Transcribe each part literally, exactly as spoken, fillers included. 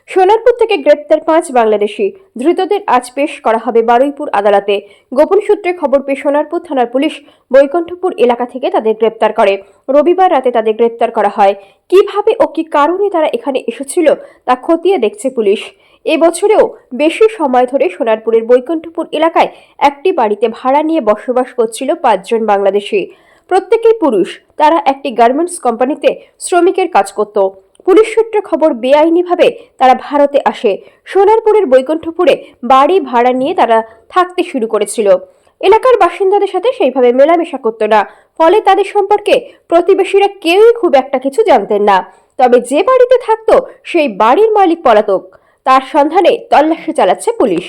সোনারপুর থেকে গ্রেপ্তার পাঁচ বাংলাদেশি ধৃতদের আজ পেশ করা হবে বারুইপুর আদালতে। গোপন সূত্রে খবর পেয়ে সোনারপুর থানার পুলিশ বৈকুণ্ঠপুর এলাকা থেকে তাদের গ্রেপ্তার করে। রবিবার রাতে তাদের গ্রেপ্তার করা হয়। কিভাবে ও কি কারণে তারা এখানে এসেছিল তা খতিয়ে দেখছে পুলিশ। এবছরেও বেশি সময় ধরে সোনারপুরের বৈকুণ্ঠপুর এলাকায় একটি বাড়িতে ভাড়া নিয়ে বসবাস করছিল পাঁচজন বাংলাদেশি। প্রত্যেকেই পুরুষ। তারা একটি গার্মেন্টস কোম্পানিতে শ্রমিকের কাজ করত। পুলিশ সূত্রে খবর, বেআইনিভাবে তারা ভারতে আসে। সোনারপুরের বৈকুণ্ঠপুরে বাড়ি ভাড়া নিয়ে তারা থাকতে শুরু করেছিল। এলাকার বাসিন্দাদের সাথে সেইভাবে মেলামেশা করত না, ফলে তাদের সম্পর্কে প্রতিবেশীরা কেউই খুব একটা কিছু জানতেন না। তবে যে বাড়িতে থাকতো সেই বাড়ির মালিক পলাতক। তার সন্ধানে তল্লাশি চালাচ্ছে পুলিশ।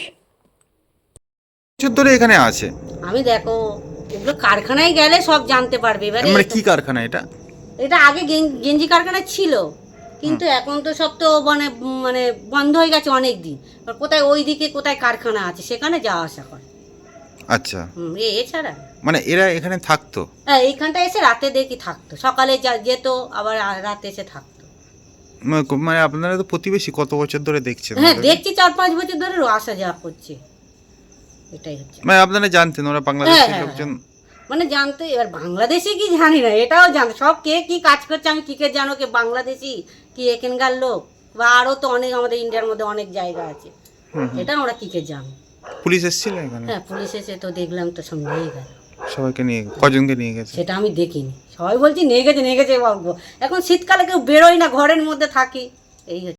ধরে এখানে আছে। আমি দেখো এগুলো কারখানায় গেলে সব জানতে পারবে। এবারে মানে কি কারখানা এটা? এটা আগে গেন- গেঞ্জি কারখানা ছিল, কিন্তু এখন তো সব তো মানে মানে বন্ধ হয়ে গেছে অনেক দিন। এবার কোথায় ওইদিকে কোথায় কারখানা আছে সেখানে যাওয়া আসা করে। আচ্ছা, হুম, এ এছাড়া মানে এরা এখানে থাকতো? হ্যাঁ, এইখানটা এসে রাতে দেখি থাকতো, সকালে যা- যেত, আবার আ- রাতে এসে থাকতো। মানে- মানে আপনারা তো প্রতিবেশী, কত বছর ধরে দেখছেন? হ্যাঁ, ওদেরকে? দেখছি চার পাঁচ বছর ধরে আসা যাওয়া করছে, এটাই হচ্ছে। মানে আপনারা জানতেন ওরা বাংলাদেশি হ্যাঁ, হ্যাঁ, লোকজন? মানে জানতে, এবার বাংলাদেশি কি জানি না, এটাও জান সব কে কি কাজ করছে আমি কি কে জানো, কে বাংলাদেশি কি এখানকার লোক, বা আরও তো অনেক আমাদের ইন্ডিয়ার মধ্যে অনেক জায়গা আছে, হুম, হুম। এটা আমরা কি কে জানো। পুলিশ এসেছিল এখানে? হ্যাঁ, পুলিশ এসে তো দেখলাম তো সব নিয়ে গেল। সবাইকে নিয়ে, কজনকে নিয়ে গেছে? সেটা আমি দেখিনি, সবাই বলছি নিয়ে গেছে নিয়ে গেছে, বাবু এখন শীতকালে কেউ বেরোয় না, ঘরের মধ্যে থাকি, এই হচ্ছে।